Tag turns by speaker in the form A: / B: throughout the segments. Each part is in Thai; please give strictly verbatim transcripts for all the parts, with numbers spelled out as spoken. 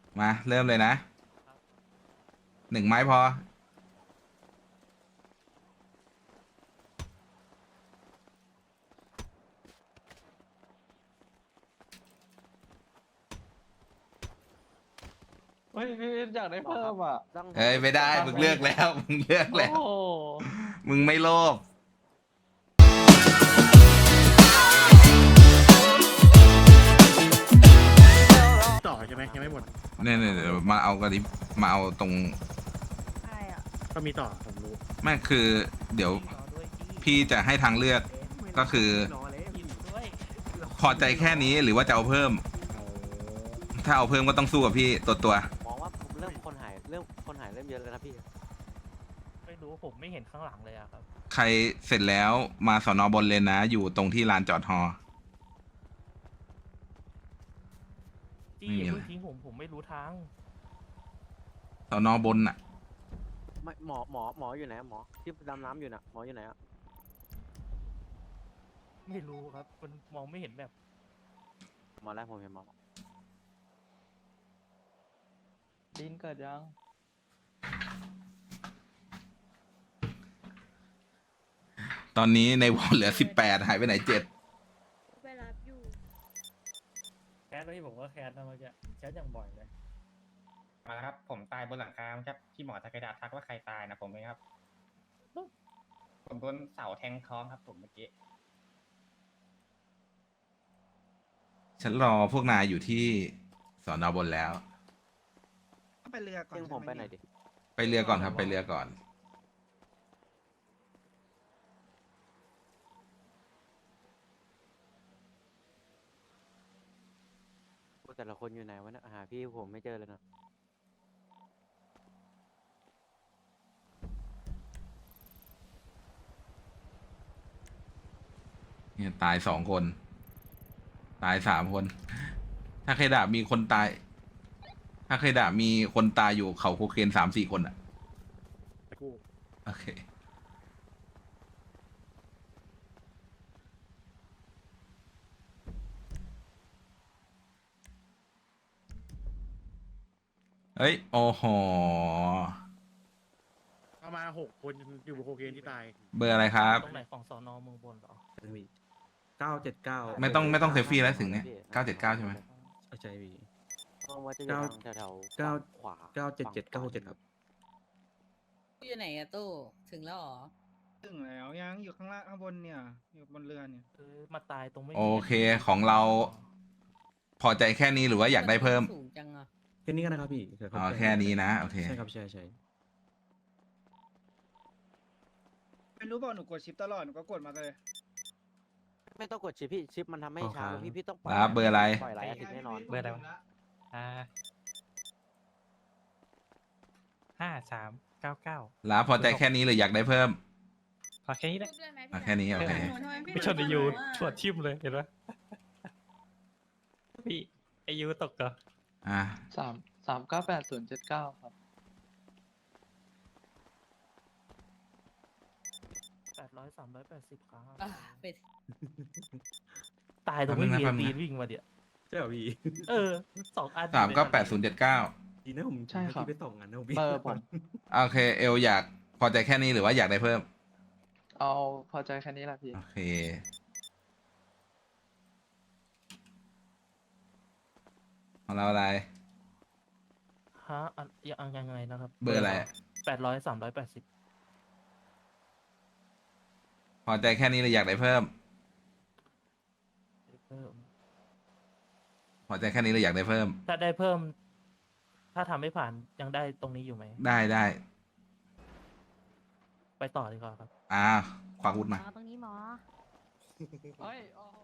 A: มาเริ่มเลยนะหนึ่งไม้พอ
B: เฮ้ยพี่อยากได้เพิ่มอ่ะ
A: เอ้ยไม่ได้มึงเลือกแล้วมึงเลือก
B: โอ้
A: แล้ว
B: โห
A: มึงไม่โลภ
C: ต่อใช่ไหมยังไม่หมด
A: เนี่ยเนี่ยเดี๋ยวมาเอากันดิมาเอาตรง
D: ใช่อ่ะ
C: ก็มีต่อผมรู้
A: ไม่คือเดี๋ยวพี่จะให้ทางเลือกก็คือ พอใจแค่นี้หรือว่าจะเอาเพิ่ม ถ้าเอาเพิ่มก็ต้องสู้กับพี่ตัวตัว
E: มองว่าผมเริ่มคนหายเริ่มคนหายเริ่มเยอะแล้วนะพี่
B: ไม่รู้ผมไม่เห็นข้างหลังเลยอะครับ
A: ใครเสร็จแล้วมาสอนอบนเลนนะ อยู่ตรงที่ลานจอดฮอ
B: จี้
A: ไม่มี
B: อย่า
A: อะไร
B: เพิ่งทิ้งผมผมไม่รู้ทาง
A: สอนอบนอ่ะ
E: ไม่หมอหมอหมออยู่ไหนหมอที่ดำน้ำอยู่น่ะหมออยู่ไหนอ่ะ
B: ไม่รู้ครับมันมองไม่เห็นแบบ
E: หมอแรกผมเห็นหมอ
B: ดินเกิดยัง
A: ตอนนี้ในวอลเหลือสิบแปดหายไปไหนเจ็ด
D: ไปรับอยู่
B: แคสที่ผมก็แคสนะเมื่อกี้แคสอย่างบ่อยเลย
F: มาแล้วครับ ผมตายบนหลังคาครับที่หมอตะกระดาษทักว่าใครตายนะผมเองครับ ผมโดนเสาแทงท้องครับผมเมื่อกี้
A: ฉันรอพวกนายอยู่ที่สอนอบนแล้ว
G: ไปเรือก่อน
E: ซึ่งผมไปไหนดิ
A: ไปเรือก่อนครับไปเรือก่อน
E: แต่ละคนอยู่ไหนวะเนี่ยหาพี่ผมไม่เจอเลยนะ
A: เนี่ยตายสองคน ตายสามคน ถ้าเคยด่ามีคนตาย ถ้าเคยด่ามีคนตายอยู่เขาโคเคนสามสี่คนอ่ะ
C: ไปกู้
A: โอเค เฮ้ย โอ้โห
C: ประมาณหกคนอยู่บนโคเคนที่ตาย
A: เบอร์อะไรครับ
B: ตรงไหนของสอนอเมืองบนเหรอ
G: เก้าเจ็ดเก้า
A: ไม่ต้องไม่ต้องเซลฟี่แล้วถึงเนี่ยเก้าเจ็ดเก้าใช่ไหม
G: ใช่พี่
E: มองว่าจะอยู่ทางแถวๆ
G: เก้า
E: ขวา
G: เก้าเจ็ดเจ็ดเก้าเจ็ดครับ
H: อยู่ไหนอะตู้ถึงแล้วเหรอ
G: ถึงแล้วยังอยู่ข้างล่างข้างบนเนี่ย อยู่บนเรือเนี่ย
B: เออมาตายตรงไม่มี
A: โอเคของเรา พอใจแค่นี้หรือว่าอยากได้เพิ่ม
H: สูงจังอะ
G: แค่นี้ก็นะครับพี่เดี๋ยว
A: อ๋อแค่นี้นะ โอเค
G: ใช่ครับใช่ใช่
I: ไม่รู้บอกหนูกดชิปตลอดหนูก็กดมาเลย
E: ไม่ต้องกดชิปพี่ชิปมันทำให้ช้าพี่พี่ต้องปล่อย
A: ครับเบอร์อะไร
E: ปล่อยหลายอาทิตย์แน่นอน
B: เบอร์อะไรวะอ่าห้าสามเก้าเก้า
A: ลาพอใจแค่นี้หรืออยากได้เพิ่ม
B: ขอแค่นี้แหละ
D: พูดด้วยไหม
A: อ่ะ
D: พี่
A: แค่นี้โอเค
D: หนูทำไมพี่
B: ไม่ชนไอยูตรวจทิมเลยเห็นไหมพี่ไอยูตกเหรอ
A: อ่ะ
B: สามสามเก้าแปดศูนย์เจ็ดเก้าครับแปดร้อยสามร้อยแปดสิบครับ
H: อ่ะไป
B: ตายตรงไม่มีปีนวิ่งมาเดี๋ยว
G: ใช่เหรอพี่
B: เออสองอัน
A: สามก็แปดศูนย์เจ็ดเก้า
G: ดีนะผม
B: ใช่ครับ
G: พี่ไปส่องงานนะผมพี่
B: เบอร์ผม
A: โอเค เอลอยากพอใจแค่นี้หรือว่าอยากได้เพิ่ม
B: เอาพอใจแค่นี้แหละพี่
A: โอเค ของเราอะไร
B: ฮะอันยังยังไงนะครับ
A: เบอร์อะไร
B: แปดร้อยสามร้อยแปดสิบ
A: พอใจแค่นี้หรืออยากได้เพิ่ม
B: เพิ่ม
A: พอใจแค่นี้หรืออยากได้เพิ่ม
B: ถ้าได้เพิ่ม ถ้าทำไม่ผ่านยังได้ตรงนี้อยู่ไหม
A: ได้ได้
B: ไปต่อดีกว่าครับ
A: อ่าควักอาวุธมา
D: ตรงนี้หมอ
B: เฮ้ยโอ้โห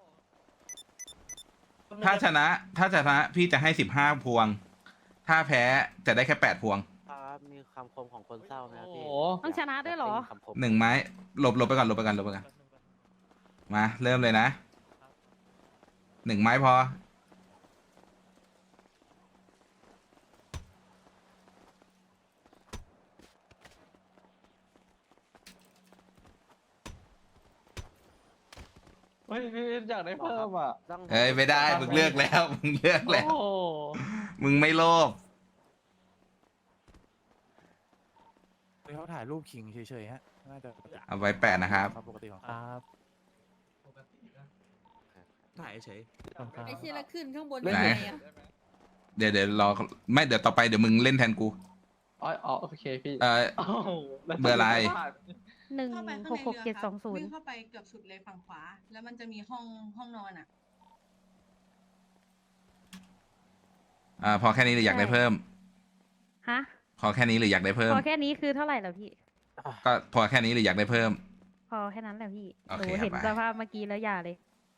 A: ถ้าชนะ ถ้าชนะพี่จะให้สิบห้าพวง ถ้าแพ้จะได้แค่แปดพวง
E: ครับมีคำคมของคนเศร้าไหมครับพี่
B: โอ้โห
D: ต้องชนะด้วยเหรอ
E: ยากได้ยินคำคม
A: หนึ่งไม้หลบหลบไปก่อนหลบไปก่อนหลบไปก่อนมาเริ่มเลยนะหนึ่งไม้พอ
B: เฮ้ยพี่อยากได้เพิ่มอ่ะ
E: ต้อง
A: เอ้ยไม่ได้มึงเลือกแล้วมึงเลือก
B: โอ้
A: แล้ว
B: โห
A: มึงไม่โลภ
J: เขาถ่ายรูปขิงเฉยๆฮะน่าจะ
A: เอาไว้แปะนะครับ
J: ปกติของ
B: ค
J: เขา
B: รับ
J: ถ่ายเฉย
H: ไอ้เชี่ยแล้วขึ้นข้างบน
A: ไหน
H: ยังไงอะ
A: เดี๋ยวเดี๋ยวรอไม่เดี๋ยวต่อไปเดี๋ยวมึงเล่นแทนกู
E: อ๋ออ๋อโอเคพี่
A: เออเบอร์อะไร
D: หนึ่ง
K: เข้าไปข้าง
D: หก
K: ใน
D: หก
K: เรือ
D: เจ็ด
K: ค
D: ส
K: รั
D: อบ งศูน
K: วิ่
D: ย์
K: งเข้าไปเกือบสุดเลยฝั่งขวา แล้วมันจะมีห้องห้องนอนอ่ะ
A: อ่าพอแค่นี้หรืออยากได้เพิ่ม
D: ฮะ
A: พอแค่นี้หรืออยากได้เพิ่ม
D: พอแค่นี้คือเท่าไหร่แล้วพี่
A: ก็พอแค่นี้หรืออยากได้เพิ่ม
D: พอแค่นั้นแหละพี่
A: โอ
D: หนู
A: เค
D: เห็น
A: ครับ
D: สภาพเมื่อกี้แล้วอย่าเลย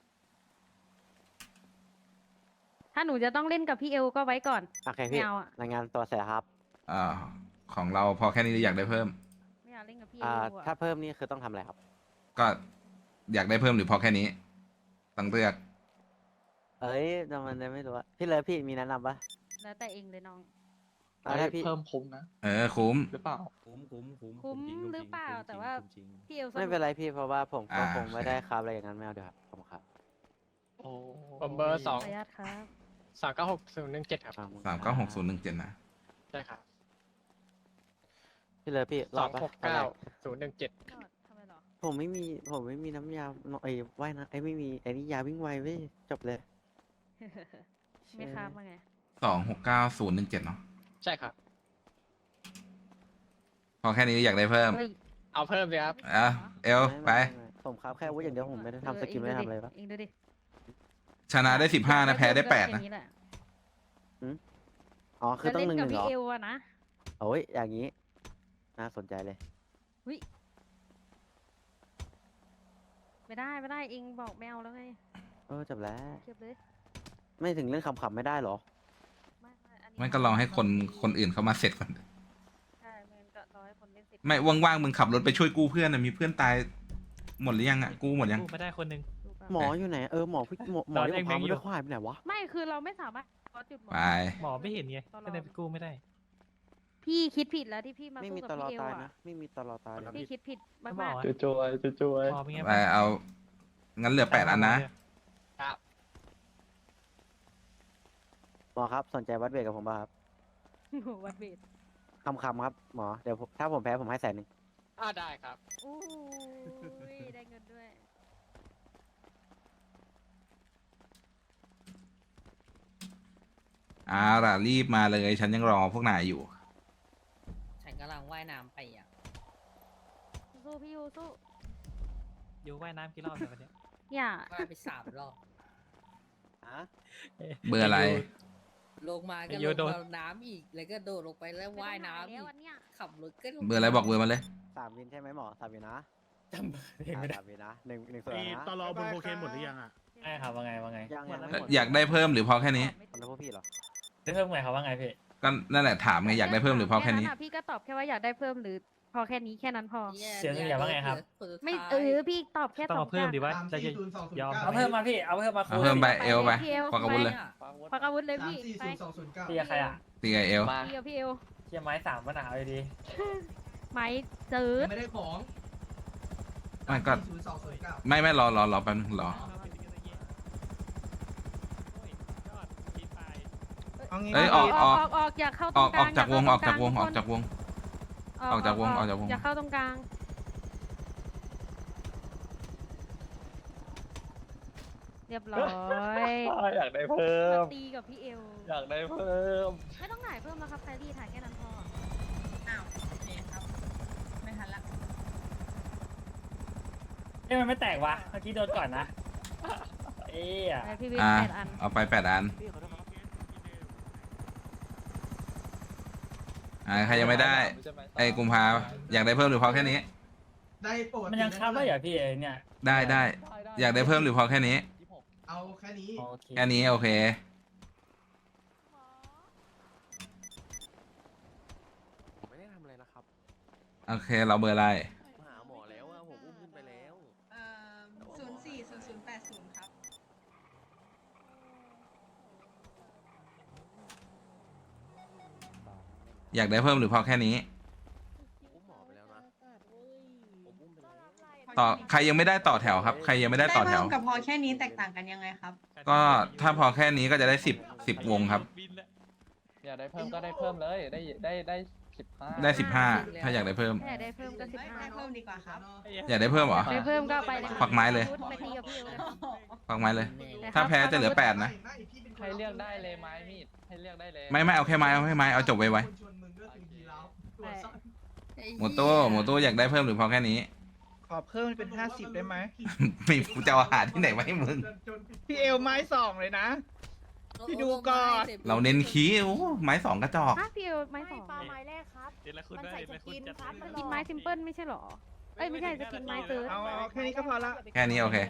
D: ถ้าหนูจะต้องเล่นกับพี่เอลก็ไว้ก่อน
E: โอเค
D: ไม่
E: พี่
D: เอาอะ
E: รายงานตัวเสร็จครับ
A: อ่าของเราพอแค่นี้หรืออยากได้เพิ่ม
D: ไม่อยากเล่นกับพี่เอ
E: อ่า
D: ลอะ
E: ถ้าเพิ่มนี่คือต้องทำอะไรครับ
A: ก็อยากได้เพิ่มหรือพอแค่นี้ต้องเลือก
E: เอ้ยทำไมเนี่ยไม่รู้อะพี่เลยพี่มีแนะนำปะ
D: แล้วแต่เองเลยน้อง
E: อ่าถ้าพี่
J: เพิ่มคุ้มนะ
A: เออคุ้ม
J: หรือเปล่าคุ้มคุ้มคุ้ม
D: คุ้มหรือเปล่าแต่ว่าพี่เอลส
E: ไม่
D: นุก
E: เป็นไรพี่เพราะว่าผมก็
A: อ่า
E: คงไม่ได้ครับอะไรอย่างนั้นไม่เอาเดี๋ยวครับผมครับ
J: โอ้
G: ผมเบอร์สอง
D: ขออนุญาตครับ
G: สามเก้าหกศูนย์หนึ่งเจ็ดครับ
A: สามเก้าหกศูนย์หนึ่งเจ็ดนะ
G: ใช่ครับ
E: พี่เลยพี่
G: ส
E: ร
G: อ
E: อง บปะ
G: หก
E: อะไร
G: เก้าศูนย์หนึ่งเจ็ด
D: ยอดทำไมหรอ
E: ผมไม่มีผมไม่มีน้ำยาไอ้ว่ายนะไอ้ไม่มีไอ้นี่ยาวิ่งไวเว้ยจบเลย
D: ไม่ครับว่าไง
A: สองหกเก้าศูนย์หนึ่งเจ็ดเนาะ
G: ใช่ครับ
A: พอแค่นี้อยากได้เพิ่ม
D: เฮ้ย
G: เอาเพิ่มเลยครับ
A: อ่ะเอล
E: ม่
A: ไป
E: ม่ม่ผมครับแค่อาวุ้อย่างเดียวผมไม่ได้ทำสกิลไม่ได้ทำอะไรปะ
D: เองดูดิ
A: ชนะได้สิบห้านะแพ้ได้แปดนะ
D: ค่แหล
E: อ๋อคือต้องห
D: จะ
E: นึ่ง
D: เล่
E: ห
D: น
E: นึ่
D: กับ
E: งเหร
D: พี่
E: อ
D: เอลอะนะ
E: โอ้ยอย่างนี้น่าสนใจเลย
D: ไม่ได้ไม่ได้เองบอกแมวแล้วไง
E: เออจบแล้ว
D: เก็บเลย
E: ไม่ถึงเล่นขำๆไม่ได้เหรอ
D: ไม่ไม่อันนี้
A: ไม่ก็ลองให้คนคนอื่นเขามาเสร็จก่อน
D: ใช่ไม่งั้นก็รอให้คนเล่นเสร็จ
A: ไม่ว่างๆมึงขับรถไปช่วยกู้เพื่อนนะมีเพื่อนตายหมดหรือยังอ่ะกู้หมดยัง
B: ไม่ได้คนหนึ่ง
D: ดูก่อน
E: หมออยู่ไหนเออหมอพี่หมอหมอที่ผมพาไปด้วยเขาหายไปไหนวะ
D: ไม่คือเราไม่สามารถขอจุดหมอ
A: ไป
B: หมอไม่เห็นไงก็เลยไปกู้ไม่ได้
D: พี่คิดผิดแล้วที่พี่มา
E: ไม่
D: สู้
E: มี
D: กับ
E: ตลอด
D: พี่เอล
E: ตาย
D: อะ
E: นะไม่มีตลอดตายเลย
D: พี่คิดผิด
B: ไม่
D: มาก
B: บอก
D: ๆ
B: อะ
J: จะจวยจะจวย
B: หมอเป็นไง
A: ไปเอางั้นเหลือแปดอันนะ
E: หมอครับสนใจวัดเวทกับผมป่ะครับ
D: โอ้โหวัดเวท
E: คำคำๆครับหมอเดี๋ยวผมถ้าผมแพ้ผมให้แสนหนึ่ง
G: อ่าได้ครับ
D: อู้ยได้เงินด้วย
A: เอาล่ะรีบมาเลยฉันยังรอพวกนายอยู่
H: ฉันกำลังว่ายน้ำไปอ่ะ
D: สู้พี่ยูสู้
B: อยู่ว่ายน้ำกี่รอบแล้ววันเนี้ย
D: อย่า
H: ว่ายไปสามรอบ
E: ฮะ
A: เบอร์อะไร
H: ลงมาก็
B: ไอ้
H: ล
B: โย
H: ง
B: โดน
H: มาน้ำอีก แล้วก็โดดลงไปแล้วว่ายน้ำ
D: ไม่
H: อี
D: ต้อง
H: ก
D: หแล้วอันเนี้ย
H: ขับรถก็ลง
A: เบอร์อะไรบอกเบอร์มาเลย
E: สามวินใช่ไหมหมอสามวินนะ
B: จำเบอร์เองไม่ได้
E: สามวินนะหนึ่งหนึ่งส่วน
C: ไอ้
E: นะ
C: ตลอบนโคเคนหมดหรือยังอ่ะ
B: ใช่ครับว่าไงว่าไง
E: ยังยังไม่
A: เอ่
E: ห
A: อ
E: มด
A: อยากได้เพิ่มหรือพอแค่นี้
E: ตอนนั้นพวกพี่เหรอ
B: ได้เพิ่มไงครับว่าไงพี่
A: ก็นั่นแหละถามไงอยากได้เพิ่มหรือพอแค่นี้
D: ะพี่ก็ตอบแค่ว่าอยากได้เพิ่มหรือพอแค่นี้แค่นั้นพอ
H: แย่
B: เสียงเสียงว่าไงครับ
H: คนสุด
D: ไม่
H: ท้าย
D: เออพี่ตอบแค่
B: ต้อง
D: สอง
B: มาเพิ่ม
D: อย่าง
B: ดีว่าจะยอม
F: เอาเพิ่มมาพี่ เอาเพิ่มมา
A: เอาเพิ่มไปเอลไป
D: พี่เอล
A: ควักอาวุธเลย
D: ควักอาวุธเลยพี่ไป
B: ตีกับใครอ่ะ
A: ตีไอเอล
D: พี่กับพี่เอล
B: เชียร์ไม้สามปัญหาเลยดี
D: ไม้จืด
F: ไม่ได้ของ
A: ไม่ก็
F: ศูนย์สองศูนย์เก้า
A: ไม่ไม่รอรอรอแป๊บนึงรอ
G: เอางี้
A: เอ้ยออก
D: ออกออกออกอยากเข้าต
A: อ
D: ร
A: อง ก
D: ก
A: อ
D: ลา
A: อง กจากวงออกจากวงออก
D: ทุ
A: จากวง
D: คน
A: ออกจากวงออกจากวง
D: อย่าเข้าตรงกลางเรียบร้อย
J: อยากได้เพิ่ม
D: ตีกับพี่เอล
J: อยากได้เพิ่ม
D: ไม่ต้องถ่ายเพิ่มแล้วครับแครี่ถ่ายแค่นั้นพอ
K: อ้าวโอเคครับ ไม่ทันละ
B: เอ้ยมันไม่แตกวะเมื่อกี้โดนก่อนนะ เอ้ย
D: ไปพี่วิน
A: อ่า
D: แปดอัน
A: เอาไปแปดอัน
E: พี่ขอโทษครับ
A: อ่าใครยังไม่ได้ไอ้กุมภาอยากได้เพิ่มหรือพอแค่นี้
F: ได้ปกติ
B: มันยังค้ำได้เหรอพี่เอเนี่ย
A: ได้ได้อยากได้เพิ่มหรือพอแค่นี้
F: เอาแค่นี้
B: โอเค
A: แค่นี้โอเค
E: ผมไม่ได้ทำอะไรนะครับ
A: โอเคเราเบอร์อะไร
E: มาหาหมอแล้วอะผมอุ้มขึ้นไปแล้ว
K: เอ่อศูนย์สี่ศูนย์ศูนย์แปดศูนย์ครับ
A: อยากได้เพิ่มหรือพอแค่นี้
E: อุ้มหมอไปแล้วนะผมอุ้มไปแล้ว
A: ต่อใครยังไม่ได้ต่อแถวครับ ใครยังไม่ได้ต่อแถว
K: เพิ่มกับพอแค่นี้แตกต่างกันยังไงครับ
A: ก็ถ้าพอแค่นี้ก็จะได้สิบสิบวงครับ
J: อยากได้เพิ่มก็ได้เพิ่มเลยได้ได้ได้สิบห้า
A: ได้สิบห้าถ้าอยากได้เพิ่ม
D: ถ้าอยากได้เพิ่มก็สิบห้า
K: ให้เพิ่มดีกว่าครับ
A: อยากได้เพิ่มเหรอ
D: ได้เพิ่มก็ไปเลย
A: ควักไม้เลย
D: ไปตีกับพี่เอวเลย
A: ฟังไม้เลย ถ้าแพ้จะเหลือแปดนะ
J: ให้เลือกได้เลยไม้มีดให้เลือกได้เลย
A: ไม่ไม่เอาแค่ไม้เอาแค่ไม้เอาจบไว้ไว้
D: ได้
A: โมโต้โมโต้อยากได้เพิ่มหรือพอแค่นี้
I: ขอเพิ่มเป็นห้าสิบได้ไหม
A: ไม่กูจะเอาอาหารที่ไหนมาให้มึง
I: พี่เอลไม้สองเลยนะ พี่ดูก่อน
A: เราเน้นขี้โอ้ไม้สองกระจอก
D: ฮะพี่เอวไม้สอง
L: ปลาไม้แรกครับ มันใส่สกินครับมัน
D: กินไม้ซิมเปิลไม่ใช่เหรอ เอ้ยไม่ใช่จะกินไม้เติร์ด
I: เอาเอาแค่นี้ก็พอละ
A: แค่นี้โอเค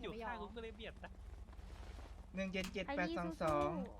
I: หนึ่งเจ็ดเจ็ด
D: ไอ้
I: แปด
D: นี่
I: สองส
D: สู้
I: อง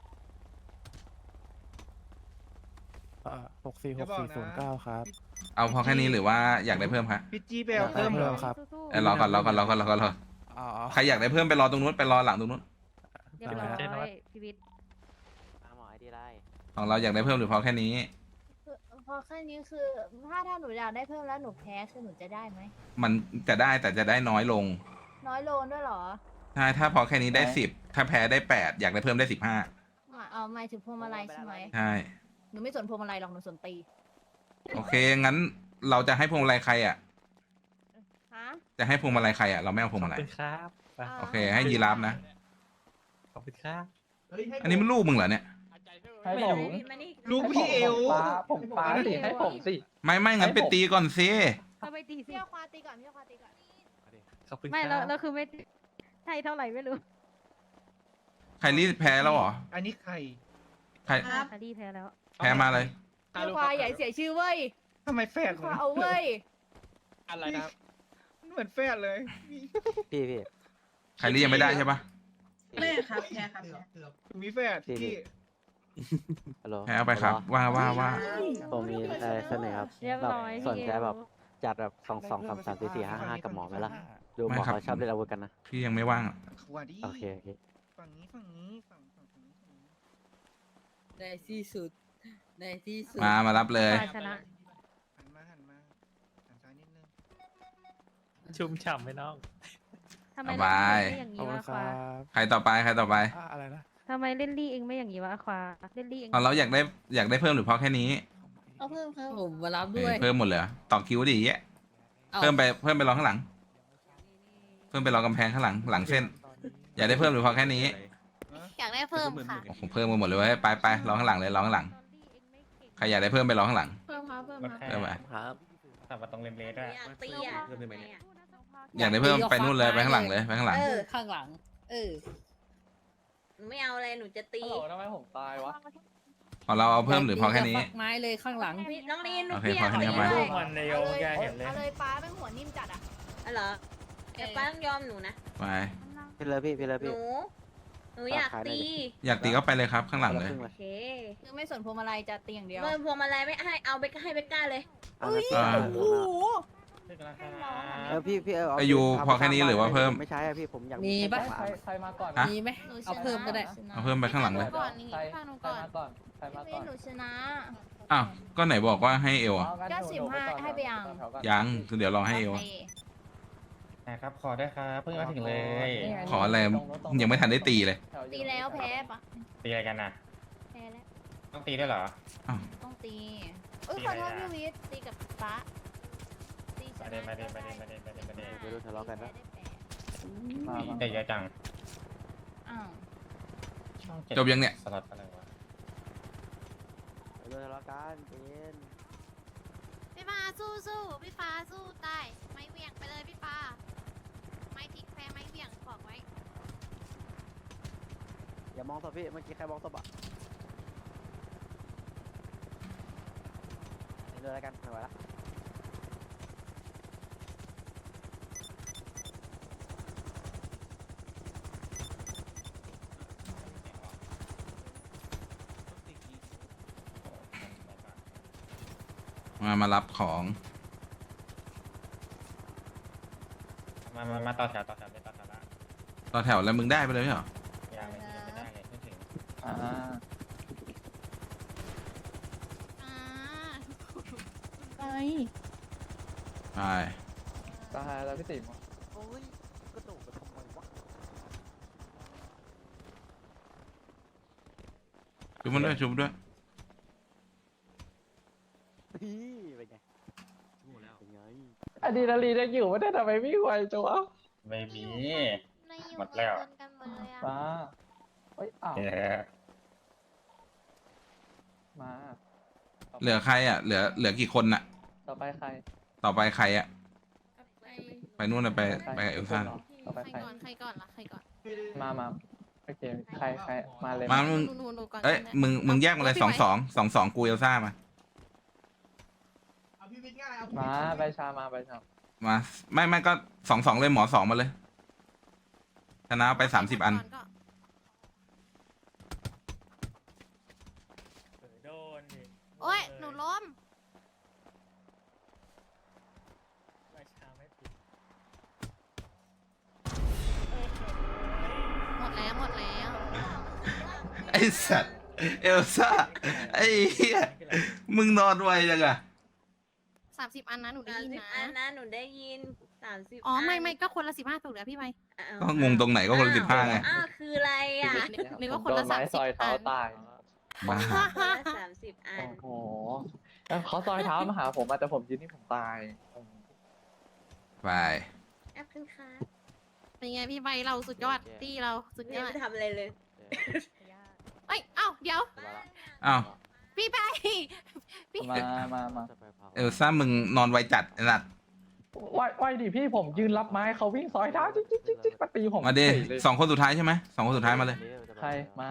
C: หกสี่หกสี่ศูนย์เก้าครับ
A: เอาพอแค่นี้หรือว่าอยากได้เพิ่มคะ
I: พี่จีไปเอาเพิ่มเหรอ
C: ครับ
D: สู้ๆ
A: เอ้ยรอก่อนรอก่อนรอก่อนรอก่อนรอ
C: อ๋อ
A: ใครอยากได้เพิ่มไปรอตรงนู้นไปรอหลังตรงนู้น
D: เรียบร้อยชีวิต
E: ตามหมอไอดีไลน์
A: ของเราอยากได้เพิ่มหรือพอแค่นี้
L: พอแค่นี้คือ ถ้าถ้าหนูอยากได้เพิ่มแล้วหนูแพ้คือหนูจะได้ไหม
A: มันจะได้แต่จะได้น้อยลง
L: น้อยโลนด้วยเหรอ
A: ใช่ถ้าพอแค่นี้ได้สิบถ้าแพ้ได้แปดอยากได้เพิ่มได้สิบห้า
L: มาเอาหมายถึงพวงมาลัยใช่ไหม
A: ใช่
L: หนูไม่สนพวงมาลัยหรอกหนูสนตี
A: โอเคงั้นเราจะให้พวงมาลัยใครอ่ะ
L: ฮะ
A: จะให้พวงมาลัยใครอ่ะเราไม่เอาพวงมาลัย
J: ครับ
A: โอเคให้ยีราฟนะ
J: ขอบคุณครับ
A: อันนี้มันลูกมึงเหรอเนี่ย
J: ให้ผม
I: ลูกพี่เอล
J: ผมปาผมปาสิให้ผมสิ
A: ไม่ไม่งั้นไปตีก่อนสิ
D: ก็ไปตีสิ
L: พี่เอาควาตีก่อนพี่เอาควาตีก่อน
J: ขอบคุณ
D: ไม่
J: ค
D: เรา
J: รับ
D: เราคือไม่ใช่เท่าไหร่ไม่รู้
A: ใครรีบแพ้แล้วเหรอ
I: อันนี้ใคร
A: ใคร
K: ครับ
D: คารีแพ้แล้ว
A: แพ้มาเลย
L: พี่ควาใหญ่เสียชื่อเว้ย
I: ทำไมแฝด
L: ควาเอาเว้ย
J: อะไรนะ
I: มันเหมือนแฝดเลย
E: พี่พี่
A: ใครรีบยังไม่ได้ใช่ปะ
K: ไม่ครับแพ้ครับแพ้
I: มีแฝดพี่
E: ฮัลโหล
A: แพ้เอาไปครับ ว่าว่าว่า
E: ผมมีอะไรเสนอครับ
D: เรียบ
E: แบบ
D: ร้อย
E: สน
D: พี่
E: ใจ
D: เอว
E: แบบจัดแบบสองสองสามสามสี่สี่ห้าห้ากับหมอไหมล่ะ ดูห
A: ไม่
E: มอ
A: ครับ
E: เขาชอบเล่นอาวุธกันนะ
A: พี่ยังไม่ว่างอะ
I: ขวาดี
E: โอเคโอเค
I: ฝั่งนี้ฝั่งนี้ฝั่งฝั่งฝั่งนี้ฝั่งนี้
H: ในที่สุด ในที่สุด
A: มามารับเลย
D: ฝ่ายชนะ
I: หันมาหันมาหันซ้ายนิดนึง
J: ชุ่มฉ่ำไหมน้อง
D: ทำไม
A: ส
D: เล่น
A: บาย
D: ลี่เองไม่อย่าง
C: ขอบ
D: นี้
C: คุณ
D: วะ
C: ค
D: ควา
C: รับ
A: ใครต่อไปใครต่อไป
C: อ่ะอะไรนะ
D: ทำไมเล่นลี่เองไม่อย่างนี้วะควาเล่นลี่เอง
A: ของเราอยากได้อยากได้เพิ่มหรือพอแค่นี้
L: เอาเพิ่มครับ
H: ผมมารับ
A: เอ
H: ด้
A: อ
H: วย
A: เพิ่มหมดเลยเหรอต่อคิวดิแยะ
H: อา
A: เพิ่มไปเพิ่มไปรอข้างหลัง เพิ่มไปรอกำแพงข้างหลังหลังเส้น อยากได้เพิ่มหรือพอแค่นี้
L: อยากได้เพิ่มค่ะ
A: ผมเพิ่มมาหมดเลยเว้ยไปไปรอข้างหลังเลยรอข้างหลังใครอยากได้เพิ่มไปรอข้างหลัง
L: เพิ่มครับเพิ่ม
F: มัน
L: ครับ
F: แค่
A: เพิ่มไป
E: ครับ
F: แต่ว่าตรงเลมเลสด้วย
H: ตีอ่ะ
A: อยากได้เพิ่มไปนู่นเลยไปข้างหลังเลยไปข้างหลัง
H: เออ ข้างหลัง เออ หนูไม่เอาอะไร หนูจะตี
J: ฮัลโหลทำไมผมตายวะ
A: ของเราเอาเพิ่มหรือพอแค่นี้
H: ฟักไม้เลยข้างหลัง
K: พี่น้องลีน
A: โอเค
K: พี่
A: พอแค่นี้
K: เอา
A: ไป
K: ไป
B: ลูกมันในโยมแกเห็นเลย
L: เอาเลยป้าเป็นหัวนิ่มจัดอ่ะ
K: อ๋อเหรอเดี๋ยวป้าต้องยอมหนูนะ
A: ไป
E: พี่เลยพี่พี่เลย
K: ห
E: พี่
K: นู หนูอยากตี
A: อยากตีก็ไปเลยครับข้างหลังเลย
K: โอเค
L: คือไม่สนพวงมาลัยจะตีอย่างเดียว
K: เมื่อพวงมาลัยไม่ให้เอาไปให้เบกก้าเลย
E: เอาละ
A: อ่า
L: โอ้โห
E: เออพี่พี่เออ
A: ไอ้ยูพอแค่นี้หรือว่าเพิ่ม
E: ไม่ใช่อะพี่ผมอยาก
H: มีปะ
E: แค่
J: ใครใครมาก่อน
A: ฮะ
H: มีไหม เอาเพิ่มก็ได้
A: เอาเพิ่มไปข้างหลังเลย
L: ก่อนนี่
J: ใคร
L: ฟังหนู
J: ใคร
L: ก่อน
J: มาก่อนใครมา
L: พี่
J: ก่อน
L: หนูชนะ
A: อ้าวก็ไหนบอกว่าให้เอวอ่ะ
J: อ๋องั้น
L: ก็
J: หนู
L: สิบห้า
J: หนูก่อน
L: ให้ไปยัง
J: แถวๆก่อน
A: ยังคือเดี๋ยวรอให้เอว
L: โอ
A: อะ
L: เค
F: นะครับ ขอได้วยครับ เพิ่งมาถึงเลย
J: นี่ไง
A: ขออะไรยังไม่ทันได้ตีเลย
J: ถๆ
L: ตีแล้วแพ้ปะ
F: ตีอะไรกันน่ะ
L: แพ้แล้ว
F: ต้องตีด้วยเหรอ
L: ต้องตีเอ้ยขอโทษพี่วิทย์ตีกับป้าตีช
F: มา
L: นะ
F: เดนมาเดนมาเดนมาเดนมาเดนมาเดน
E: ไม่รู้ทะเลาะกัน
L: ได้
E: นะ
L: แปด
J: มามา
F: แต่เยอะจัง
L: อ้าว
F: ช่องเจ็ด
A: จบยังเนี่ย
F: สล็อตอะไรวะ
E: ไม่รู้ทะเลาะกันเป็น
L: พี่ฟ้าสู้สู้พี่ฟ้าสู้ตายไม้เหวี่ยงไปเลยพี่ฟ้าไม้พลิกแพ้ไม้เหวี่ยงบอกไว้
E: อย่ามองศพพี่เมื่อกี้ใครมองศพอ่ะไปเลยแล้วกันไม่ไหวละ
A: มามารับของ
F: มามามาต่อแถวต่อแถวเลยต่อแถวละ
A: ต่อแถวแล้วมึงได้ไปเลยไม่เหรอ
F: ยังไม่ยังไม่ได้เลยไม่ถึง
J: อ่า
L: อ่า
D: ไป
A: ไป
J: ตายแล้วพี่ติ๋ม
E: โอ้ยกระโดดไปทำไมวะ
A: ชุบมันด้วยชุบมันด้วย
E: เป็นไงเป็นไง
J: อะดรีนาลีนยังอยู่ไม่ได้ทำไมวิ่งไวจังวะ
F: ไม่มี
L: ในอยู่
F: หมดแล้ว
L: ในเงินกันหมดเลยอะ
J: มาเฮ้ยอ้าว
F: เออ
J: มา
A: เหลือใครอ่ะ เหลือเหลือกี่คนน่ะ
J: ต่อไปใคร
A: ต่อไปใครอ่ะ
L: ไป
A: ไปนู่นน่ะไปไปกับเอลซ่า
J: ต่อไป
L: ใค
J: ใค
L: ร
J: ร
L: ก่อนใครก่อนล่ะใครก่อน
J: มามาโอเคใครใครมาเลย
A: มามึง
L: หนูหนูหนูก่อน
A: เอ้ย
L: ก็ได้
A: มึงมึงแยกมาเลย
L: พี่
A: สอง
L: ไว้
A: สองสองสองกูเอลซ่ามา
G: เอาพี่วิทย์ง่ายเอาพี่
J: มา
G: วิทย์
J: ใบชามาใบชา
A: มาไม่ไม่ก็สองสองเลยหมอสองมาเลยชนะไปสามสิบอัน
L: ก่ก็
B: เออโดนดิ
L: โอ้ยหนูล้ม
B: ไม่ชาไม่ติด
L: หมดแล้วหมดแล้ว
A: ไอสัตว์เอลซ่าไอ้เหี้ยมึงนอนไวจังอะ
L: สามสิบอันนะหนูได้
K: สาม
L: ยิน
K: สิบ
L: นะ
K: อันนะหนูได้ยินสามสิบ
L: อ๋อไม่ไม่ก็คนละสิบห้าถูกแล้วพี่ไป
A: ก็งงตรงไหนก็คนละสิบห้าไง
K: อ้าวคืออะไรอ่ะ
L: นึกนึกว่า
J: ผม
L: คนละ
J: โดไม้
L: สามสิบ
J: ซอยเท้า
L: อัน
J: ตาย
A: บ้า
K: คนละสามสิบอัน
J: โอ้โหแล้วเขาซอยเท้ามาหาผมอะแต่ผมยืนนี่ผมตาย
A: ไป
K: แอปขึ้นค่ะ
L: เป็นไงพี่ใบเราสุดยอดตีเราสุดย
K: ยัง
L: อด
K: ไม่ทำอะไรเลย
L: เอ้ยเอ้าเดี๋ยว
A: อ้าว
L: พี่ไปพี่
J: มามามา
A: เอลซ่ามึงนอนไวจัดไอ้สัตว์
J: ไหวไหวดิพี่ผมยืนรับไม้เขาวิ่งซอยเท้าจิ๊กจิ๊กจิ๊กจิ๊กมาตีผม
A: มาดิ
J: เฉยเลย
A: สองคนสุดท้ายใช่ไหมสองคนสุดท้ายมาเลย
J: ใครมา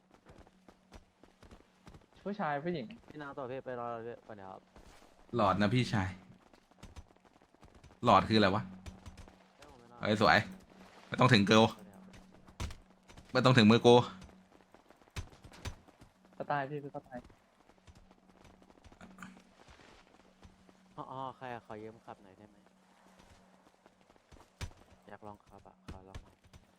J: ผู้ชายผู้หญิง
E: พี่นางต่อพี่ไปรอเลยก่อนเดี๋ยวครับ
A: หลอดนะพี่ชาย หลอดคืออะไรวะเฮ้ยสวยไม่ต้องถึงเกิลไม่ต้องถึงมือกู
J: ก็ตายพี่ก็ตาย
E: อ๋อใครอะขอยืมขับหน่อยได้ไหมอยากลองขับอะขอลองหน่อย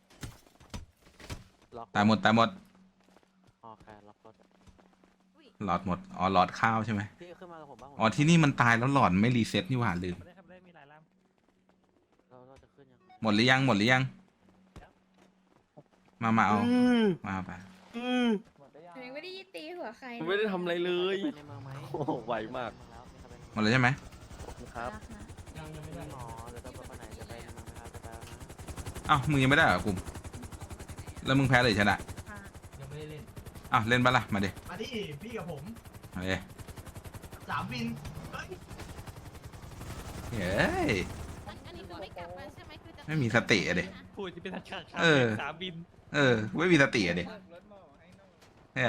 E: ล็อก
A: ตายหมดตายหมด
E: อ๋อใครล็อกรถอะ
A: หลอดหมดอ๋อหลอดข้าวใช่ไหม
E: พี่ขึ้นมากับผมบ้างผม
A: อ๋อที่นี่มันตายแล้วหลอดไม่รีเซ็ตนี่หว่าลืม
B: ไม่ได้ทำได้มีหลายล
E: เราเราจะขึ้นยัง
A: หมดหรือยังหมดหรือยัง มามาเอามาไป
J: หมดได้ยัง
K: หนูยังไม่ได้ตีหัวใคร
E: ไม่ได้ทำอะไรเลยไปในเมืองไหมโอ้ไวมาก
A: หมดเลยใช่ไหม
E: ครับยังไม่ได้หมอเดี๋ยวต้องไปไหนจะไปในเมืองไหมครับจะไปแล้วนะ
A: อ้าวมึงยังไม่ได้เหรอกลุ่มแล้วมึงแพ้เลยชนะ
G: ยังไม่ได้เล่น
A: อ้าวเล่นปะล่ะมาดิ
G: มาดิพี่กับผม
A: มาดิ
G: สามวินเฮ้ย
A: เฮ้ย
L: อันอันนี้คือไม่กลับมาใช่ไหมคือจะ
A: ไม่มีสติอะดิ
B: ำพูดจะเป็นทางขาด
A: เออ
B: สามบิน
A: เออไม่มีสติอะดิ
G: รถหม้อให้น้อง
A: เนี่ย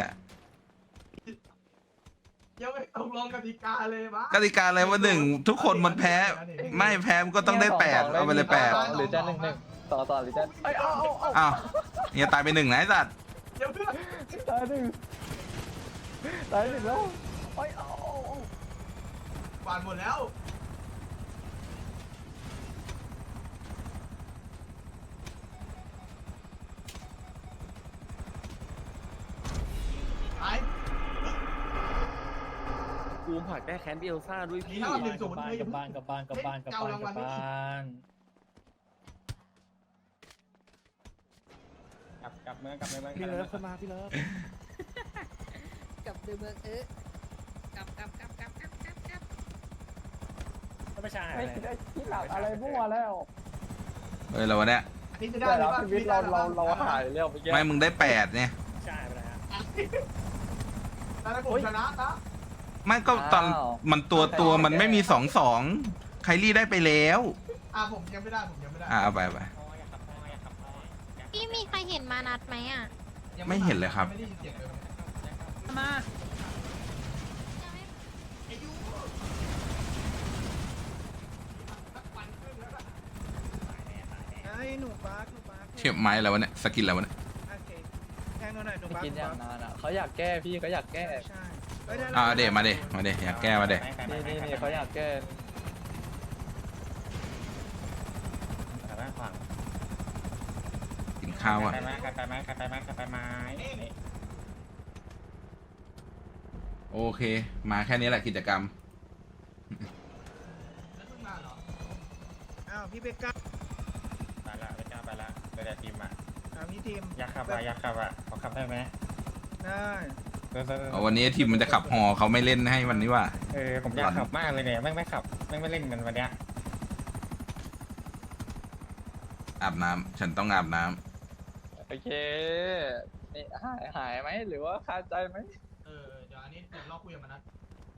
G: ยังไม่ตกลงกติกาเลยวะ
A: กติกาอะไรว่าหนึ่งทุกคนมันแพ้ ไม่แพ้มันก็ต้องได้แปดเอาไปเลยแปด
J: หรือจะหนึ่งหนึ่งต่อต่อหรือจะเอ้ยเอาเอาเอา
A: อ้าวเนี่ยตายไปหนึ่งนะไอ้สัตว์
G: เดี๋ยวเพื่อน
J: ตายหนึ่งตายหนึ่งแล้วเอ้ยเอาเอาเอา
G: กวาดหมดแล้วไป
E: กูผักได้แคนพี่เอลซ่าด้วยพี่
G: ถ้าหนึ่งศูนย์
B: กลับบ้านกลับบ้านกลับบ้านกลับบ้านกลับบ้านกลับบ้าน
F: กลับกลับเมืองกลับเมือง
C: พี่เลิฟขึ้นมาพี่เลิฟ
K: กลับดูเมืองเออกลับกลับกลับกลับกลับกลับกลับ
B: ก็ไม่ใช่
J: ไอ้
B: อะไร
J: ไอ้ที่หลักอะไรมั่วแล้ว
A: เฮ้ยเราวันเนี้ย
G: อาทิตย์จะได้
J: แต่
G: หรือ
J: เรา
G: เปล่า
J: ชีวิตเราเราเราหายเร็วไปเยอะ
A: ไม่มึงได้แปดเนี่ย
B: ใช่ไปแล้ว
G: แต่ถ้าผมชนะนะ
A: ไม่ก็ตอนมันตัวตัวมันไม่มีสองสองไคลี่ได้ไปแล้ว
G: อ่ะผมยังไม่ได้ผมยังไม่ได้
A: อ่ะเอาไปไป
L: พี่มีใครเห็นมานัดไหมอ่ะ
G: ยัง
A: ไม่เห็นเลยครับ
G: ไม่ได้ยินเสียงเลย
K: มา
I: ไอ้หนูปาร์คหนูปาร์ค
A: เทียบไม้อะไรวะเนี่ยสกินอะไรวะเนี่ย
I: โอเคแทงหนูหน่อยหนู
J: ไม่
I: ปาร์ค
J: กินอย่างนานอ่ะเขาอยากแก้พี่เขาอยากแก้
I: ใช่เฮ้ยได้
A: อ่าเดมาเดมาเดอยากแก้มาเด
J: นี่นี่นี่เขาอยากแก้
F: กลับบ้านขวาง
A: กินข้าวอ่ะ
F: ไปไหมกลับไปไหมกลับไปไหมกลับไปไหม
A: โอเค มาแค่นี้แหละกิจกรรม
G: แล้วเพิ่งมาเหรอ
I: อ้าวพี่เบกก้า
F: ไปละไปจ้าไปละเดี๋ยวทีมอ่ะ
I: ถามพี่ทีม
F: อยากขับอ่ะอยากขับอ่ะขอขับได้ไหม
I: ได้
A: เอาวันนี้ทีมมันจะขับฮอเขาไม่เล่นให้วันนี้ว่า
F: เออผมอยากขับมากเลยเนี่ยแม่งไม่ขับแม่งไม่เล่นมันวันเนี้ย
A: อาบน้ำฉันต้องอาบน้ำ
J: โอเคหายหายไหมหรือว่าคาใจไหม
G: เออเดี๋ยวอันนี้เดี๋ยวเราคุยกับมันนะ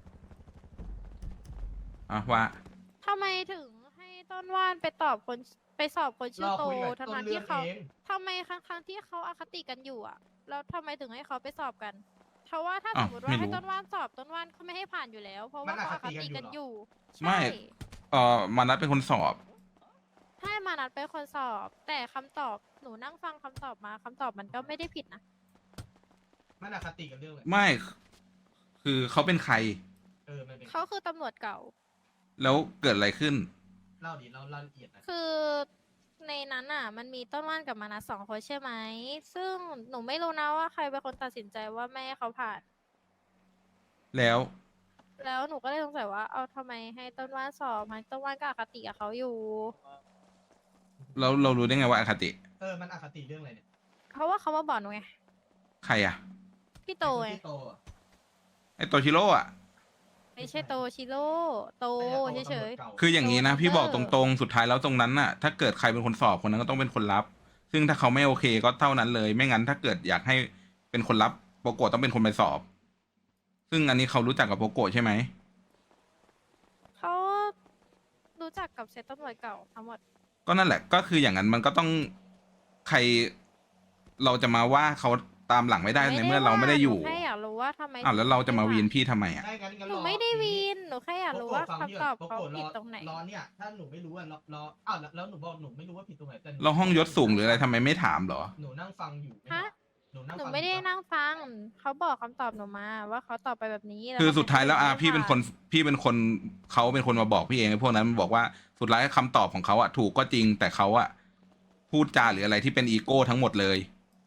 A: อ่ะว่า
L: ทำไมถึงให้ต้นว่านไปตอบคนไปสอบคนชื่อโตทั้งนั้นที่เขาทำไมครั้งครั้งที่เขาอคติกันอยู่อ่ะแล้วทำไมถึงให้เขาไปสอบกัน เพราะว่าถ้าสมมติว่าให้ต้นว่านสอบต้นว่านเขาไม่ให้ผ่านอยู่แล้ว เพราะว่าเขาอคติกันอยู่
A: ไม่
L: ใช่
A: เออมานัดเป็นคนสอบ
L: ให้มานัดเป็นคนสอบ แต่คำตอบหนูนั่งฟังคำตอบมาคำตอบมันก็ไม่ได้ผิดนะ
G: มันอคติกันเรื่องอะไร
A: ไม่ คือเขาเป็นใคร
G: เออมันเป็น
L: เขาคือตำรวจเก่า
A: แล้วเกิดอะไรขึ้น
G: เล่าดิเล่าเล่าละเอียดนะ
L: คือในนั้นอ่ะ มันมีต้นว่านกับมานัดสองคนใช่ไหม ซึ่งหนูไม่รู้นะว่าใครเป็นคนตัดสินใจว่าไม่ให้เขาผ่าน
A: แล้ว
L: แล้วหนูก็เลยสงสัยว่า เอาทำไมให้ต้นว่านสอบมันต้นว่านก็อคติกับเขาอยู่
A: เราเรารู้ได้ไงว่าอคติ
G: เออมันอคติเรื่องอะไรเนี่ย
L: เพราะว่าเขามาบอกหนูไง
A: ใครอะ
L: พี่โตไง
G: ที่โตอะ
A: ไอโตชิโร่อะ
L: ไม่ใช่โตชิโร่ โต
G: ไม่ใช่
L: เฉ
G: โต
L: ย
G: ตำรวจเก่า
A: คืออย่างนี้นะ
L: โต
A: พี่บอก
L: เอ
A: ต
L: อ
A: รงๆ สุดท้ายแล้วตรงนั้นน่ะ ถ้าเกิดใครเป็นคนสอบคนนั้นก็ต้องเป็นคนรับ ซึ่งถ้าเขาไม่โอเคก็เท่านั้นเลย ไม่งั้นถ้าเกิดอยากให้เป็นคนรับโปโกะต้องเป็นคนไปสอบ ซึ่งอันนี้เขารู้จักกับโปโกะใช่ไหม
L: ๆเขารู้จักกับเซตตำรวจเก่าทั้งหมด
A: ก็นั่นแหละ ก็คืออย่างนั้นมันก็ต้องใคร เราจะมาว่าเขาตามหลังไม่ได้ในเมื่อเราไม่ได้อยู่
L: หนูแค่อยากรู้ว่าทำไม
A: อ้าวแล้วเราจะมาวีนพี่ทำไมอ่ะ
G: ใช่งั้นงั้น
L: หนู
G: รอ
L: ไม่ได้วีน หนูแค่อยากรู้ว่า
G: โปโกะฟังพี่
L: คำตอบ
G: ก่น
L: เขา
G: โปโกะ
L: ผิด
G: อ
L: ตรงไหน
G: รอเนี่ย ถ้าหนูไม่รู้อ่ะรอรออ้าวแล้วแล้วหนูบอกหนูไม่รู้ว่าผิดตรงไหนแต่นู
A: เราห้องยศสูงหรืออะไรทำไมไม่ถามเหรอ
G: หนูนั่งฟังอยู่
L: ฮะ
G: หนูนั่ง
L: หนู
G: ฟัง
L: ไม่ได้
G: อยู่ปะ
L: นั่งฟัง เขาบอกคำตอบหนูมา ว่าเขาตอบไปแบบนี้
A: คือ
L: เข
A: สุดท้ายแล้วอ่ะ
L: ไม่
A: พี่เป็นคน
L: ผ่า
A: พี่เป็นคนเขาเป็นคนมาบอกพี่เองไอ้พวกนั้นมันบอกว่าสุดท้ายคำตอบของเขาอ่ะถูกก็จริง แต่เขาอ่ะพูดจาหรืออะไรที่เป็นอีโก้ทั้งหมดเลย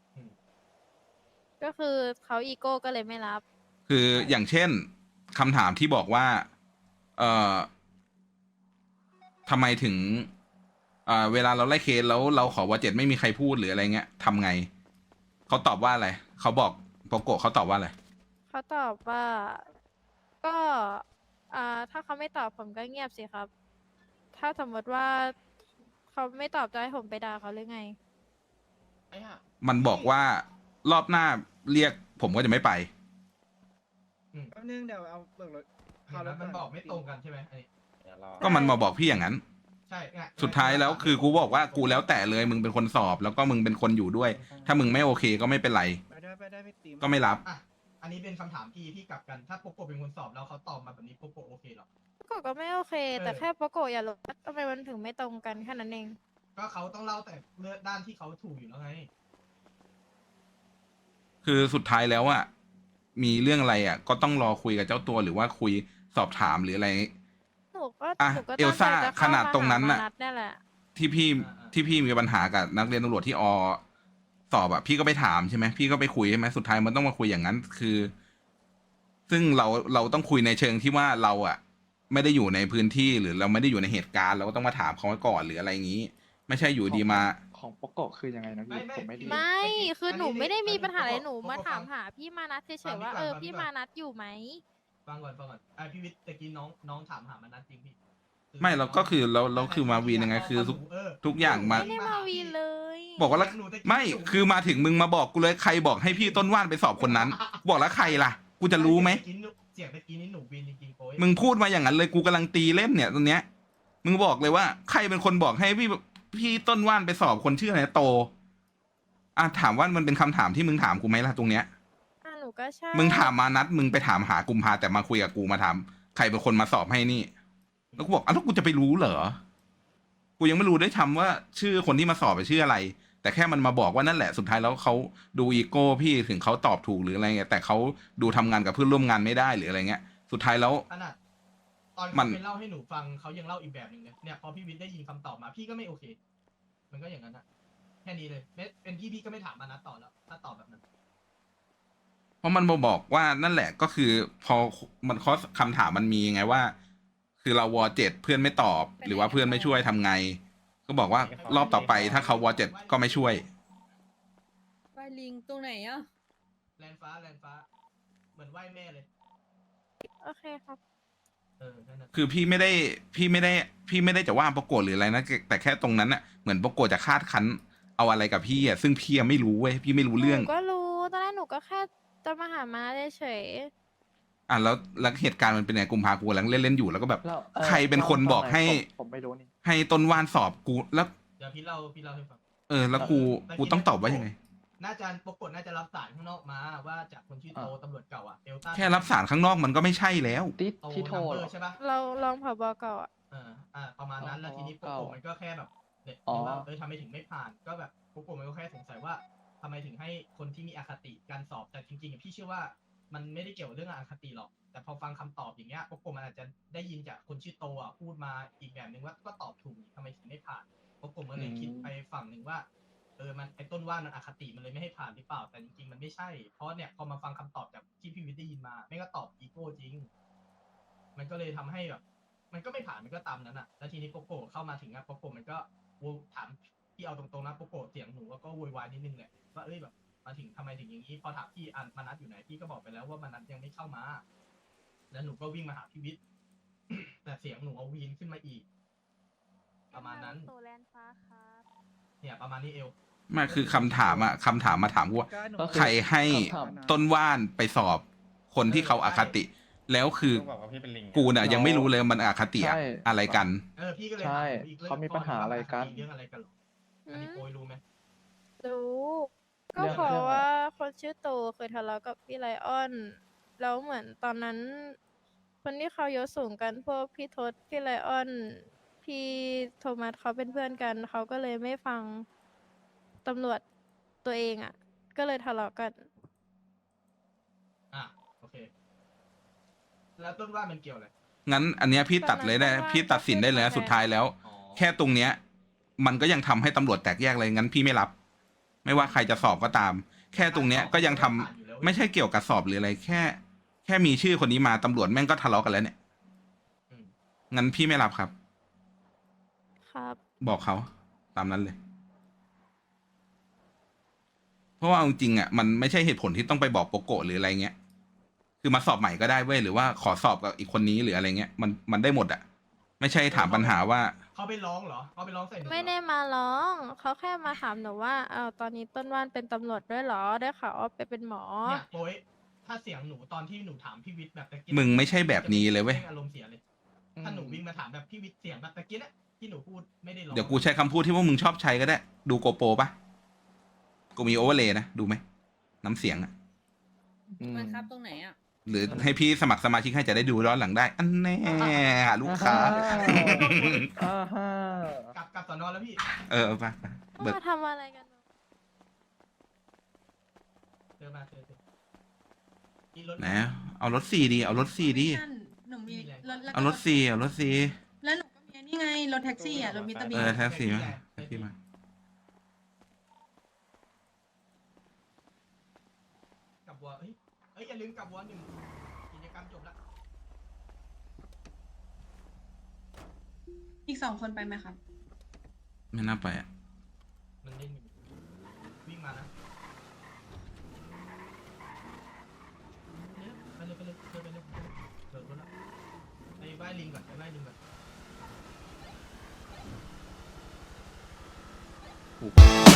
L: ก็คือเขาอีโก้ก็เลยไม่รับ
A: คืออย่างเช่นคำถามที่บอกว่า เอ่อทำไมถึงเอ่อเวลาเราไล่เคสแล้วเราขอว่าเจ็ดไม่มีใครพูดหรืออะไรเงี้ยทำไงเขาตอบว่าอะไรเขาบอกโปโกะเขาตอบว่าอะไร
L: เขาตอบว่า ก็อ่าถ้าเขาไม่ตอบผมก็เงียบสิครับ ถ้าสมมติว่าเขาไม่ตอบจะให้ผมไปด่าเขาหรือไง
G: ไอ้ห่า
A: มันบอกว่ารอบหน้าเรียกผมก็จะไม่ไป
I: แป๊บนึงเดี๋ยวเอาเบิกรถ
G: เห็นไหมมันบอกไม่ตรงกันใช่ไหมอันนี้
F: เดี๋ยวรอ
A: ก็มันมาบอกพี่อย่างนั้น
G: ใช่ไง
A: สุดท้ายแล้วคือกูบอกว่ากูแล้วแต่เลยมึงเป็นคนสอบ แล้วก็มึงเป็นคนอยู่ด้วย ถ้ามึงไม่โอเคก็ไม่เป็นไร
I: ไปได้ไปได้ไม่ตี
A: ก็ไม่รับ
G: อ่ะอันนี้เป็นคำถามพี่ที่กลับกัน ถ้าโปโกะเป็นคนสอบแล้วเขาตอบมาแบบนี้โปโกะโอเคเหรอ
L: ปโกะก็ไม่โอเค แต่
G: เออ
L: แค่ปโกะอย่ารู้ว่าทำไมมันถึงไม่ตรงกันแค่นั้นเอง
G: ก็เขาต้องเล่าแต่เรื่องด้านที่เขาถูกอยู่แล้วไง
A: คือสุดท้ายแล้วอ่ะมีเรื่องอะไรอ่ะ ก็ต้องรอคุยกับเจ้าตัวหรือว่าคุยสอบถามหรืออะไร
L: หนูก็
A: อ่ะ
L: หนูก็
A: เอลซ่า
L: ตั้งใจจะเข้
A: ขนาดตรงนั้นน่ะ
L: มาหามาดเนี่ยแหละ
A: ที่พี่ที่พี่มีปัญหากับนักเรียนตำรวจที่อสอบอะพี่ก็ไปถามใช่ไหมพี่ก็ไปคุยใช่ไหมสุดท้ายมันต้องมาคุยอย่างนั้น คือ ซึ่งเราเราต้องคุยในเชิงที่ว่าเราอะไม่ได้อยู่ในพื้นที่หรือเราไม่ได้อยู่ในเหตุการณ์เราก็ต้องมาถามเขาก่อนหรืออะไรอย่างนี้ ไม่ใช่อยู่ดีมา
J: ของโปโกะคือยังไงนะพี่
G: ไม่ไม่
J: ผมไม่ดี
L: ไม่ คือหนูไม่ได้มีปัญหาอะไร
G: อันนี้
L: หนูมา
G: ปโกะ
L: ถามหาพี่มานัดเฉ
G: ฟั
L: ย
G: ง
L: ๆ
G: พี่
L: ว่า
G: ก่อน
L: เออ
G: ฟังพี่
L: พี่
G: ก่อน
L: มานัดอยู่ไหม
G: ฟังก่อนฟังก่อนอ่ะพี่วิทย์ตะกี้น้องน้องถามหามันนัดจริงพี่
A: ไม่เราก็คือเราเราคือมาวีนยังไงคือทุก
G: เออ
A: ทุกอย่างมา
L: ไม่ได้มาวีนเลย
A: บอกว่าแล้วไม่คือมาถึงมึงมาบอกกูเลยใครบอกให้พี่ต้นว่านไปสอบคนนั้น บอกแล้วใครล่ะ กูจะรู้ไหม
G: เสียงตะกี้นี้หนูวีนจริงๆโอ้ย
A: มึงพูดมาอย่างนั้นเลยกูกำลังตีเล่นเนี่ยตรงเนี้ย มึงบอกเลยว่า ใครเป็นคนบอกให้พี่พี่ต้นว่านไปสอบคนชื่ออะไรโตอ่ะถามว่ามันเป็นคำถามที่มึงถามกูไหมล่ะตรงเนี้ย
L: อ่ะหนูก็ใช่
A: มึงถามมานัดมึงไปถามหากุมภาแต่มาคุยกับกูมาถามใครเป็นคนมาสอบให้นี่ แล้วกูบอกอ้าวแล้วกูจะไปรู้เหรอ กูยังไม่รู้ได้วยทำว่าชื่อคนที่มาสอบไปชื่ออะไร แต่แค่มันมาบอกว่านั่นแหละสุดท้ายแล้วเขาดูอีโก้พี่ถึงเขาตอบถูกหรืออะไรเงี้ยแต่เขาดูทำงานกับเพื่อนร่วมงานไม่ได้หรืออะไรเงี้ย สุดท้ายแล้ว
G: ขนาดตอน
A: มั
G: เขา
A: น
G: ไปเล่าให้หนูฟังเขายังเล่าอีกแบบหนึ่งเลยเนี่ยพอพี่วิทย์ได้ยินคำตอบมาพี่ก็ไม่โอเค มันก็อย่างนั้นอะแค่นี้เลยไม่เป็นพี่พี่ก็ไม่ถามมานัดต่อแล้วถ้าตอบแบบนั้น
A: เพราะมันมาบอกว่านั่นแหละก็คือ พอมันข้อคำถามมันมีไงว่า คือเราวอเจ็ดเพื่อนไม่ตอบ หรือว่าเพื่อนไม่ช่วยทำไง ก็บอกว่ารอบต่อไปถ้าเขาวอเจ็ดก็ไม่ช่วย
H: ไปลิงตรงไหนอ่ะ
G: แลนฟ้าแลนฟ้ามือนไหว้แม่เลย
L: โอเคครับ
G: เออนั่นน่ะ
A: คือพี่ไม่ได้พี่ไม่ได้พี่ไม่ได้จะว่าปรากฏหรืออะไรนะแต่แค่ตรงนั้นอะเหมือนปรากฏจะคาดคั้นเอาอะไรกับพี่อะซึ่งพี่อะไม่รู้เว้ยพี่ไม่รู้เรื่อง
L: หนูก็รู้ตอนแรกหนูก็แค่จะมาหามาเฉย
A: อ่ะแล้วแล้วเหตุการณ์มันเป็นไงกุมภากูกำลังเล่นเล่นๆอยู่แล้วก็แบบ
J: แล้วอ่อ
A: ใครเป็นคนบอกให้
J: ผมผมไม่รู้นี่
A: ให้ต้นว่านสอบกูแล้ว
G: เดี๋ยวพี่เล่าพี่เล่าให้ฟัง
A: เออ แล้วกูกูต้องตอบว่ายังไง
G: น่าจะปรากฏน่าจะรับสารข้างนอกมาว่าจากคนชื่อโตตำรวจเก่าอะเดลต้า
A: แค่รับสารข้างนอกมันก็ไม่ใช่แล้ว
J: ที่
G: โต
J: ที่โทร
G: นัมเบ
J: เหร
G: อ
J: อ
G: ร์ใช่ปะ
L: ๆเราลองผบเก่าอ่ะ
G: เอออ่าประมาณนั้นแล้วทีนี้ปรากฏมันก็แค่แบบเด็ก
J: อ๋อ
G: ว่าเออทำไมถึงไม่ผ่าน ก็แบบปรากฏมันก็แค่สงสัยว่าทำไมถึงให้คนที่มีอคติการสอบแต่จริงๆอะพี่เชื่อว่ามันไม่ได้เกี่ยวกับเรื่องอคติหรอก แต่พอฟังคำตอบอย่างเงี้ยปรากฏมันอาจจะได้ยินจากคนชื่อโตอ่ะพูดมาอีกแบบหนึ่งว่าก็ตอบถูกทำไมถึงไม่ผ่านปรากฏมันเลยคิดไปฝั่งหนึ่งว่า เออ มันไอ้ต้นว่ามันอคติมันเลยไม่ให้ผ่านหรือเปล่า แต่จริงๆ มันไม่ใช่ เพราะเนี่ยพอมาฟังคำตอบจากที่พี่วิทย์ได้ยินมาไม่ก็ตอบอีโก้จริง มันก็เลยทำให้แบบ มันก็ไม่ผ่าน มันก็ตามนั้นอ่ะ แล้วทีนี้โปโกเข้ามาถึงอะโปโกมันก็โวถามพี่เอาตรงๆนะโปโกเสียงหนูก็โวยวายนิดนึงแหละว่าเอ้ยแบบมาถึงทำไมถึงอย่างนี้ พอถามพี่อันมานัดอยู่ไหน พี่ก็บอกไปแล้วว่ามานัดยังไม่เข้ามา แล้วหนูก็วิ่งมาหาพี่วิทย์ แต่เสียงหนูเอาวีนขึ้นมาอีก ประมาณนั้น
D: โซแลนฟ้าครับ
G: เนี่ยประมาณนี้เอว
A: ไมาคือคำถามอะคำถามมาถามกูว่า
I: การหนู
J: ก็
A: ใครให้
J: คำถาม
A: ต้นว่านไปสอบคนที่เขาอาคติ แล้วคือ
F: ต้องบอกว่าพี่เป็นลิง
A: กูน่ะยังไม่รู้เลยมันอาคติอะ
J: ใช่
A: อะไรกัน
G: เออพี่ก็เลย
J: ใช่
G: ถามอีกเรื่อง
J: เขามีปัญหาอะไรกัน
G: เรื่องอะไรกันหรออันนี้โปรยรู้ไหม
L: รู้ก็
J: เรื่อง
L: เพราะ
J: เรื่องอะไร
L: ว่าคนชื่อโตเคยทะเลาะกับพี่ไลออน แล้วเหมือนตอนนั้น คนที่เขายศสูงกันพวกพี่ทศพี่ไลออน พี่โทมัสเขาเป็นเพื่อนกัน เขาก็เลยไม่ฟังตำรวจตัวเองอ่ะ ก็เลยทะเลาะกัน
G: อ่ะโอเค แล้วต้นว่ามันเกี่ยวอะไร
A: งั้นอันเนี้ยพี่ตัดเลยได้
L: ตอนนั้น
A: พี่ตัดสินได้เลยนะ
L: ก็คือ
A: สุดท้ายแล้ว
G: อ๋อ
A: แค่ตรงเนี้ย มันก็ยังทำให้ตำรวจแตกแยกเลยงั้นพี่ไม่รับ ไม่ว่าใครจะสอบก็ตาม แค่ตรงเนี้ยก็ยังทำไม่ใช่เกี่ยวกับสอบหรืออะไร แค่ แค่มีชื่อคนนี้มาตำรวจแม่งก็ทะเลาะกันแล้วเนี่ย
G: อืม
A: งั้นพี่ไม่รับครับ
L: ครับ
A: บอกเขาตามนั้นเลย เพราะว่าเอาจริงๆอ่ะมันไม่ใช่เหตุผลที่ต้องไปบอกโปโกะหรืออะไรเงี้ย คือมาสอบใหม่ก็ได้เว้ยหรือว่าขอสอบกับอีกคนนี้หรืออะไรเงี้ยมันมันได้หมดอ่ะ ไม่ใช่ถามปัญหาว่า
G: เขาไปร้องเหรอเขาไปร้องใส่หนูเหรอ
L: ไม่ได้มาร้อง เขาแค่มาถามหนูว่าอ้าวตอนนี้ต้นว่านเป็นตำรวจด้วยเหรอ ได้ข่าวว่าไปเป็นหมอ
G: เนี่ยโปรยถ้าเสียงหนูตอนที่หนูถามพี่วิทย์แบบตะกี้
A: มึงไม่ใช่แบบนี้เลยเว้ย
G: อารมณ์เสียเลย ถ้าหนูวิ่งมาถามแบบพี่วิทย์เสียงแบบตะกี้เนี่ยที่หนูพูดไม่ได้ร้อง
A: เดี๋ยวกูใช้คำพูดที่ว่ามึงชอบใช้ก็ได้ ดูโกโปรปะกูมีโอเวอร์เลย์นะ ดูไหม น้ำเสียงอะ
J: อืม
H: มันครับตรงไหนอ่ะ
A: หรือให้พี่สมัครสมาชิกให้จะได้ดูย้อนหลังได้ อันแน่ลูกค้า
J: อ่าฮะ
G: กลับกลับสอนอแล้วพี่
A: เออไปไปเบิก
L: มาทำอะไรกันวะ
G: เจอมาเจอเจอมีรถ
A: ไหนเอารถสี่ดี เอารถสี่ดี
K: หนูมีรถแล้วก็
A: เอารถสี่เอารถสี่
K: แล้วหนูก็มีนี่ไง รถแท็กซี่อ่ะ รถมิตรบี
A: เออแท็กซี่มาแท็กซี่มา
G: กลับวัวเอ้ยเอ้ยอย่าลืมกลับวัวหนึ่งกิจกรรมจบละ
K: อีกสองคนไปไหมครับ
A: ไม่น่าไปอ่ะ
G: มันเล่นอยู่วิ่งมานะเนี่ยไปเลยไปเลยไปเลยไปเลยเบิกรถละไปไหว้ลิงก่อนไปไหว้ลิงก่อน
A: ถูก